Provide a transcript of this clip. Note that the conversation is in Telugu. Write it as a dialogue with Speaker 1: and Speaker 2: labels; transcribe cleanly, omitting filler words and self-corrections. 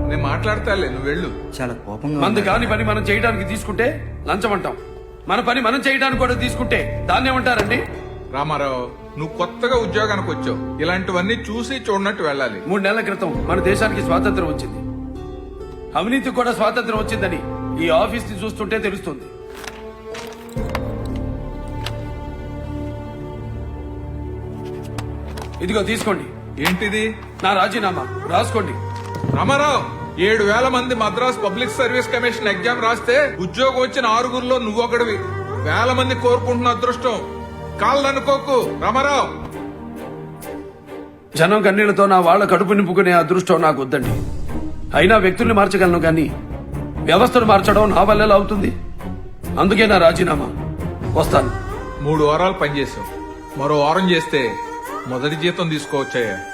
Speaker 1: నేను మాట్లాడతాలే, నువ్వు వెళ్ళు.
Speaker 2: చాలా కోపంగా
Speaker 3: మంది
Speaker 2: ఉన్నారు.
Speaker 3: కాని పని మనం చేయడానికి తీసుకుంటే లంచం అంటాం, మన పని మనం చేయడానికి కూడా తీసుకుంటే దాన్ని ఏమంటారండి?
Speaker 1: రామారావు, నువ్వు కొత్తగా ఉద్యోగానికి వచ్చావు, ఇలాంటివన్నీ చూసి చూడనట్టు వెళ్ళాలి.
Speaker 3: 3 నెలల క్రితం మన దేశానికి స్వాతంత్రం వచ్చింది, అవినీతికి కూడా స్వాతంత్రం వచ్చిందని ఈ ఆఫీస్ ని చూస్తుంటే తెలుస్తుంది. ఇదిగో తీసుకోండి,
Speaker 1: ఏంటిది?
Speaker 3: నా రాజీనామా రాసుకోండి.
Speaker 1: రామారావు, 7,000 మంది Madras public service commission exam రాస్తే ఉద్యోగం వచ్చిన 6గురిలో నువ్వు ఒకడివి. 1,000 మంది కోరుకుంటున్న అదృష్టం కాళ్ళనుకోకు రామారావు.
Speaker 3: జనం కన్నీళ్లతో నా వాళ్ళ కడుపు నింపుకునే అదృష్టం నాకు వద్దండి. అయినా వ్యక్తుల్ని మార్చగలను కానీ వ్యవస్థను మార్చడం నా వల్ల అవుతుంది. అందుకే నా రాజీనామా. వస్తాను.
Speaker 1: 3 వారాలు పనిచేసావు, మరో వారం చేస్తే మొదటి జీతం తీసుకోవచ్చాయా?